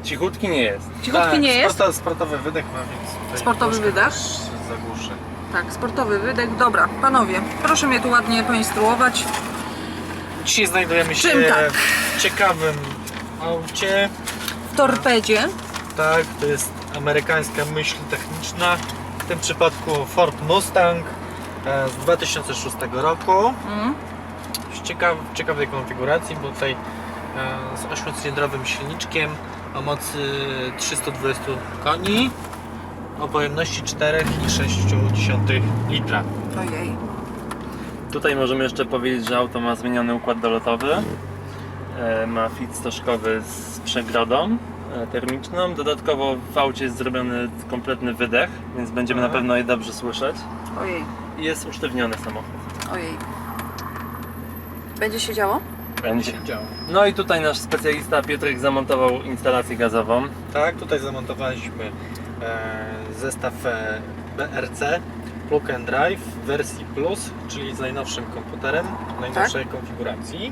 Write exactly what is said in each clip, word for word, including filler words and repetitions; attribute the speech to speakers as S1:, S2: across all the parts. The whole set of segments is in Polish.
S1: Cichutki nie jest.
S2: Cichutki
S3: tak,
S2: nie jest?
S3: Sporto, sportowy wydech ma, więc tutaj
S2: Sportowy wydech?
S3: też zagłuszę.
S2: Tak, sportowy wydech. Dobra, panowie, proszę mnie tu ładnie poinstruować.
S3: Dzisiaj znajdujemy się
S2: Czym tak?
S3: w ciekawym aucie.
S2: W torpedzie.
S3: Tak, to jest amerykańska myśl techniczna. W tym przypadku Ford Mustang e, z dwa tysiące szóstego roku.
S2: Mm.
S3: W ciekaw, ciekawej konfiguracji, bo tutaj e, z ośmiocylindrowym silniczkiem o mocy trzysta dwadzieścia koni, o pojemności cztery i sześć dziesiątych litra.
S2: Ojej.
S1: Tutaj możemy jeszcze powiedzieć, że auto ma zmieniony układ dolotowy. E, Ma fit stożkowy z przegrodą e, termiczną. Dodatkowo w aucie jest zrobiony kompletny wydech, więc będziemy
S3: Aha.
S1: na pewno je dobrze słyszeć.
S2: Ojej.
S1: I jest usztywniony samochód.
S2: Ojej. Będzie się działo?
S1: Będzie.
S3: Działa.
S1: No i tutaj nasz specjalista Piotrek zamontował instalację gazową.
S3: Tak, tutaj zamontowaliśmy e, zestaw e, B R C Plug and Drive w wersji Plus, czyli z najnowszym komputerem, najnowszej konfiguracji.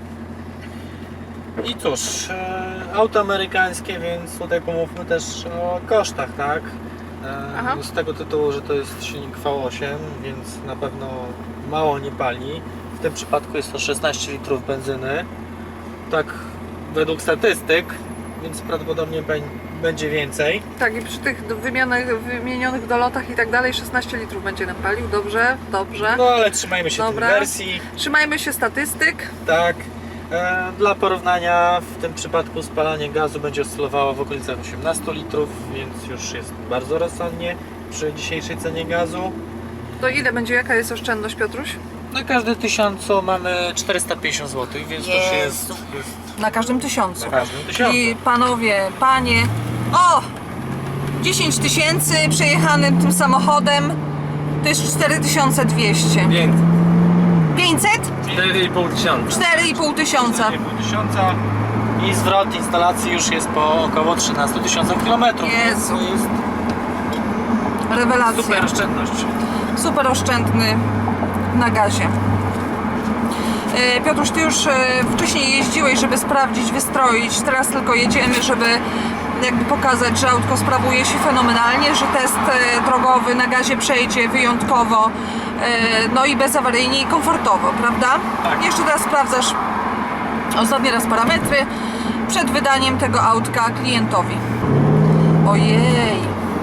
S3: I cóż, e, auto amerykańskie, więc tutaj pomówmy też o kosztach, tak?
S2: Aha.
S3: E, z tego tytułu, że to jest silnik V osiem, więc na pewno mało nie pali. W tym przypadku jest to szesnaście litrów benzyny. Tak według statystyk, więc prawdopodobnie beń- będzie więcej.
S2: Tak, i przy tych wymienionych, wymienionych dolotach i tak dalej szesnaście litrów będzie nam palił. Dobrze, dobrze.
S3: No ale trzymajmy się
S2: Dobra.
S3: tej wersji.
S2: Trzymajmy się statystyk.
S3: Tak. E, dla porównania w tym przypadku spalanie gazu będzie oscylowało w okolicach osiemnaście litrów, więc już jest bardzo rozsądnie przy dzisiejszej cenie gazu.
S2: To ile będzie, jaka jest oszczędność, Piotruś?
S3: Na każdy tysiącu mamy czterysta pięćdziesiąt złotych, więc to już jest,
S2: Jezu.
S3: jest
S2: Na każdym tysiącu.
S3: na każdym tysiącu.
S2: Czyli panowie, panie, o! dziesięć tysięcy przejechanym tym samochodem to jest cztery tysiące dwieście.
S1: Więc
S2: pięćset?
S1: cztery i pół tysiąca.
S2: cztery i pół tysiąca.
S3: cztery i pół tysiąca i zwrot instalacji już jest po około trzynastu tysiącach kilometrów.
S2: Jezu.
S3: To jest
S2: Rewelacja.
S3: super oszczędność.
S2: Super oszczędny na gazie. E, Piotruś, ty już e, wcześniej jeździłeś, żeby sprawdzić, wystroić. Teraz tylko jedziemy, żeby jakby pokazać, że autko sprawuje się fenomenalnie, że test e, drogowy na gazie przejdzie wyjątkowo, e, no i bezawaryjnie i komfortowo, prawda?
S3: Tak.
S2: Jeszcze teraz sprawdzasz ostatni raz parametry przed wydaniem tego autka klientowi. Ojej.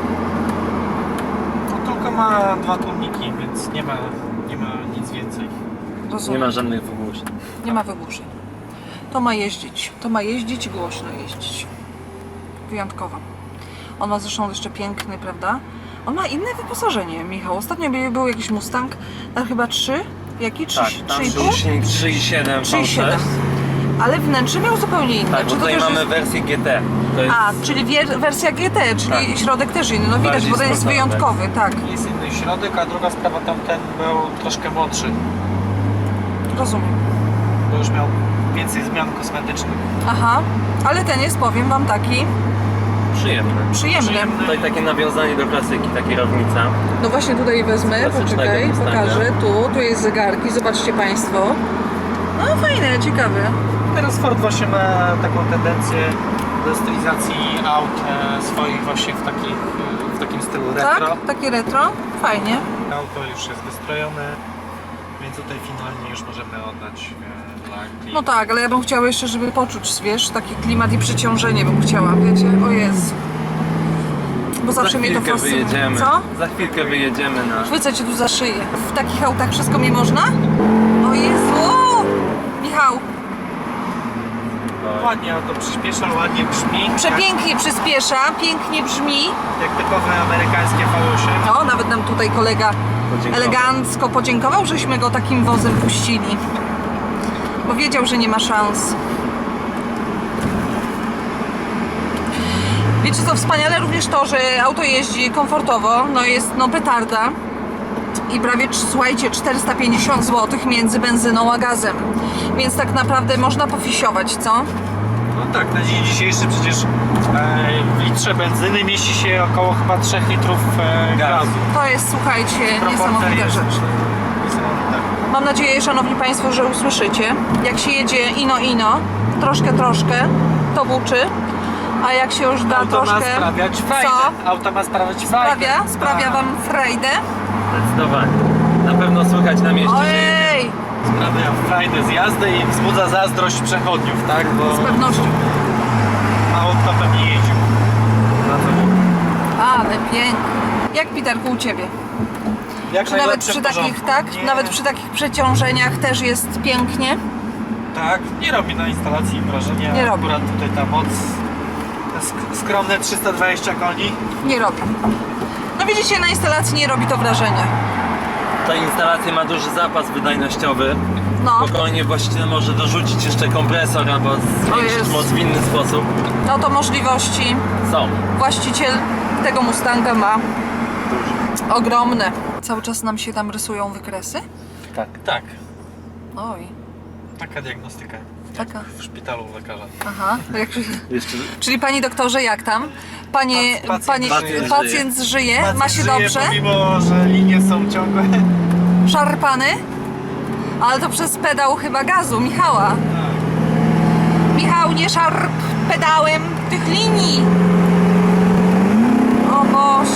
S3: No, tylko ma dwa tłumniki, więc nie ma, nie ma nic więcej.
S2: Rozumiem.
S1: Nie ma żadnych wygłuszeń.
S2: Nie ma wygłuszeń. To ma jeździć. To ma jeździć i głośno jeździć. Wyjątkowo. On ma zresztą jeszcze piękny, prawda? On ma inne wyposażenie, Michał. Ostatnio był- był jakiś Mustang, tam chyba trzy? Jaki?
S1: Tak,
S2: Trzy,
S1: tam
S2: trzy i pół?
S1: silnik trzy i siedem
S2: trzy i
S1: V
S2: siedem.
S1: sześć.
S2: Ale wnętrze miał zupełnie inne.
S1: Tak,
S2: Czy
S1: bo
S2: to
S1: tutaj
S2: też
S1: mamy
S2: jest...
S1: wersję G T. To jest
S2: A, czyli wier- wersja G T, czyli
S1: Tak.
S2: środek też inny. No widać,
S1: Bardziej
S2: bo ten jest
S1: sportowy.
S2: wyjątkowy, tak.
S3: Jest inny środek, a druga sprawa, tamten był troszkę młodszy,
S2: Rozumiem.
S3: bo już miał więcej zmian kosmetycznych.
S2: Aha, ale ten jest, powiem wam, taki
S1: przyjemny.
S2: przyjemny.
S3: Przyjemny.
S1: Tutaj takie nawiązanie do klasyki, ta kierownica.
S2: No właśnie tutaj wezmę,
S1: Klasycznego
S2: poczekaj,
S1: Mustanga.
S2: pokażę. Tu, tu jest zegarki, zobaczcie Państwo. No fajne, ciekawe.
S3: Teraz Ford właśnie ma taką tendencję do stylizacji aut e, swoich właśnie w, takich, e, w takim stylu retro.
S2: Tak? Takie retro? Fajnie.
S3: Auto już jest wystrojone, więc tutaj finalnie już możemy oddać e, dla klienta.
S2: No tak, ale ja bym chciała jeszcze, żeby poczuć, wiesz, taki klimat i przyciążenie bym chciała, wiecie? O Jezu. Bo zawsze
S1: Za
S2: mnie to
S1: chwilkę
S2: fascynuje.
S1: wyjedziemy.
S2: Co?
S1: Za chwilkę wyjedziemy na...
S2: Chwycę cię tu za szyję. W takich autach wszystko mi można? O Jezu! Michał,
S3: Ładnie auto przyspiesza, ładnie brzmi.
S2: przepięknie przyspiesza, pięknie brzmi.
S3: Jak, jak typowe amerykańskie V osiem.
S2: O, nawet nam tutaj kolega
S1: Podziękował.
S2: elegancko podziękował, żeśmy go takim wozem puścili. Bo wiedział, że nie ma szans. Wiecie co, wspaniale również to, że auto jeździ komfortowo, no jest no petarda. I prawie, słuchajcie, czterysta pięćdziesiąt złotych między benzyną a gazem. Więc tak naprawdę można pofisiować, co?
S3: No tak, na dzień dzisiejszy przecież e, w litrze benzyny mieści się około chyba trzech litrów e, gazu.
S2: To jest, słuchajcie,
S3: Proporcja
S2: niesamowita
S3: jest
S2: rzecz.
S3: niesamowita.
S2: Mam nadzieję, szanowni Państwo, że usłyszycie. Jak się jedzie ino ino, troszkę, troszkę, to buczy. A jak się już da
S3: Auto ma
S2: troszkę...
S3: sprawiać frajdę.
S2: Co?
S3: Auto ma sprawiać frajdę.
S2: Sprawia? Sprawia
S3: Tak.
S2: wam frajdę?
S1: Zdecydowanie. Na pewno słychać na mieście, że
S2: Ojej!
S3: Sprawia frajdę z jazdy i wzbudza zazdrość przechodniów, tak? Bo
S2: Z pewnością.
S3: auto pewnie jeździł. Na to
S2: Ale pięknie. Jak, Piterku, u Ciebie?
S3: Jak
S2: Czy nawet
S3: najlepsze
S2: przy
S3: w
S2: takich,
S3: porządku.
S2: tak?
S3: Nie,
S2: Nawet przy takich przeciążeniach też jest pięknie?
S3: Tak, nie robi na instalacji wrażenia.
S2: Nie robi.
S3: Akurat tutaj ta moc sk- skromne trzysta dwadzieścia koni.
S2: Nie robi. No widzicie, na instalacji nie robi to wrażenia.
S1: ta instalacja ma duży zapas wydajnościowy.
S2: No,
S1: Spokojnie właściciel może dorzucić jeszcze kompresor albo zwiększyć
S2: jest.
S1: moc w inny sposób.
S2: no to możliwości
S1: Są.
S2: właściciel tego Mustanga ma
S1: Duże.
S2: ogromne. Cały czas nam się tam rysują wykresy?
S1: Tak.
S3: Tak,
S2: Oj,
S3: taka diagnostyka
S2: taka.
S3: w szpitalu u lekarza.
S2: Aha. Jak,
S1: Jeszcze
S2: czyli pani doktorze, jak tam? Panie,
S3: Pac- pacjent
S2: pani,
S3: żyje.
S2: pacjent żyje? Ma się
S3: Pacjent
S2: dobrze?
S3: żyje, pomimo, że linie są ciągłe.
S2: Szarpany? Ale to przez pedał chyba gazu, Michała. Michał, nie szarp pedałem tych linii. O Boże.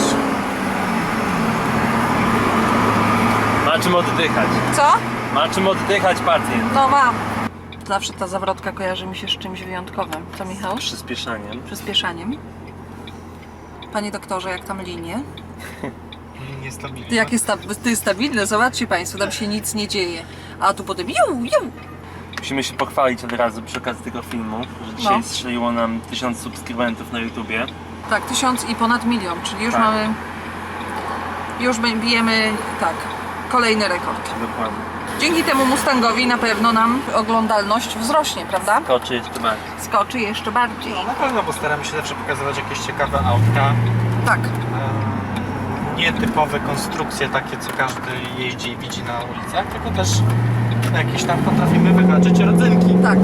S1: ma czym oddychać.
S2: Co?
S1: Ma czym oddychać pacjent.
S2: No mam. Zawsze ta zawrotka kojarzy mi się z czymś wyjątkowym. Co, Michał?
S1: Przyspieszaniem.
S2: Przyspieszaniem. Panie doktorze, jak tam linie?
S3: Linie stabilne.
S2: Jak jest, sta to jest stabilne, zobaczcie Państwo, tam się nic nie dzieje. A tu potem ju, ju.
S1: Musimy się pochwalić od razu przy okazji tego filmu, że dzisiaj
S2: No.
S1: strzeliło nam tysiąc subskrybentów na YouTubie.
S2: Tak, tysiąc i ponad milion, czyli już
S1: Tak.
S2: mamy... Już bę- bijemy, tak, kolejny rekord.
S1: Dokładnie.
S2: Dzięki temu Mustangowi na pewno nam oglądalność wzrośnie, prawda?
S1: Koczy jeszcze bardziej.
S2: Skoczy jeszcze bardziej.
S3: No na pewno, bo staramy się zawsze pokazywać jakieś ciekawe autka.
S2: Tak,
S3: Ehm, Nietypowe konstrukcje, takie co każdy jeździ i widzi na ulicach, tylko też jakieś tam potrafimy wyhaczyć rodzynki.
S2: tak.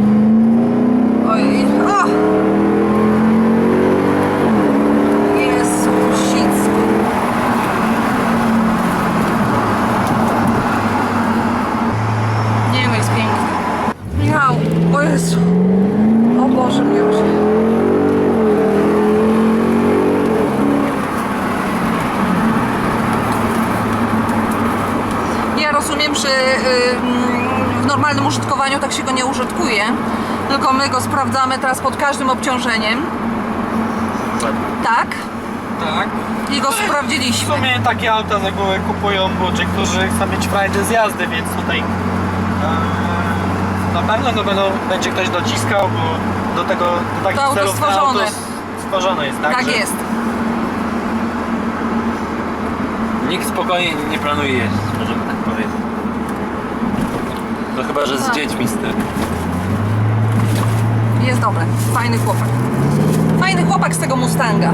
S2: Oj, o! Jezu, sicku. Nie no, jest piękny. Michał, o Jezu. O Boże, miłość. Ja rozumiem, że ym, w normalnym użytkowaniu tak się go nie użytkuje, tylko my go sprawdzamy teraz pod każdym obciążeniem,
S1: Dokładnie.
S2: tak?
S3: Tak.
S2: I go
S3: W
S2: sprawdziliśmy.
S3: sumie takie auta z reguły kupują ludzie, którzy chcą mieć frajdę z jazdy, więc tutaj e, na pewno to będą, będzie ktoś dociskał, bo do tego do takich
S2: To auto
S3: celów to
S2: stworzone.
S3: auto stworzone jest, tak?
S2: Tak
S3: że-
S2: jest.
S1: Nikt spokojnie nie planuje jeździć, możemy tak powiedzieć. No chyba, że z
S2: Tak.
S1: dziećmi z tym.
S2: Jest dobry. Fajny chłopak. Fajny chłopak z tego Mustanga.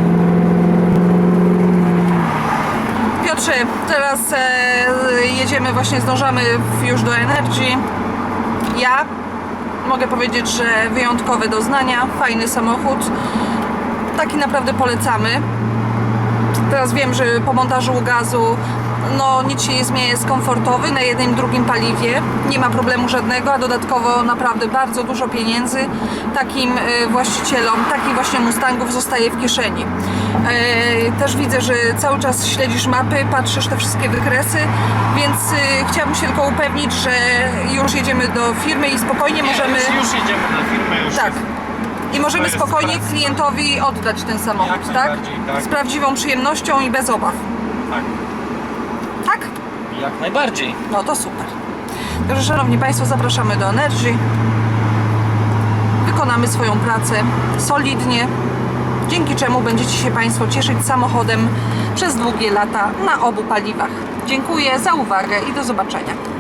S2: Piotrze, teraz e, jedziemy, właśnie zdążamy w- już do Energy. Ja mogę powiedzieć, że wyjątkowe doznania, fajny samochód. Taki naprawdę polecamy. Teraz wiem, że po montażu gazu no nic się nie zmienia, jest komfortowy na jednym i drugim paliwie, nie ma problemu żadnego, a dodatkowo naprawdę bardzo dużo pieniędzy takim e, właścicielom, takich właśnie Mustangów zostaje w kieszeni. E, też widzę, że cały czas śledzisz mapy, patrzysz te wszystkie wykresy, więc e, chciałabym się tylko upewnić, że już jedziemy do firmy i spokojnie
S3: Nie,
S2: możemy...
S3: już, już jedziemy na firmę, już
S2: Tak. I możemy
S3: jest
S2: spokojnie
S3: praca.
S2: klientowi oddać ten samochód,
S3: Jak
S2: tak?
S3: najbardziej, tak.
S2: Z prawdziwą przyjemnością i bez obaw.
S3: tak.
S2: Tak?
S3: Jak najbardziej.
S2: No to super. Także szanowni Państwo, zapraszamy do Energy. Wykonamy swoją pracę solidnie, dzięki czemu będziecie się Państwo cieszyć samochodem przez długie lata na obu paliwach. Dziękuję za uwagę i do zobaczenia.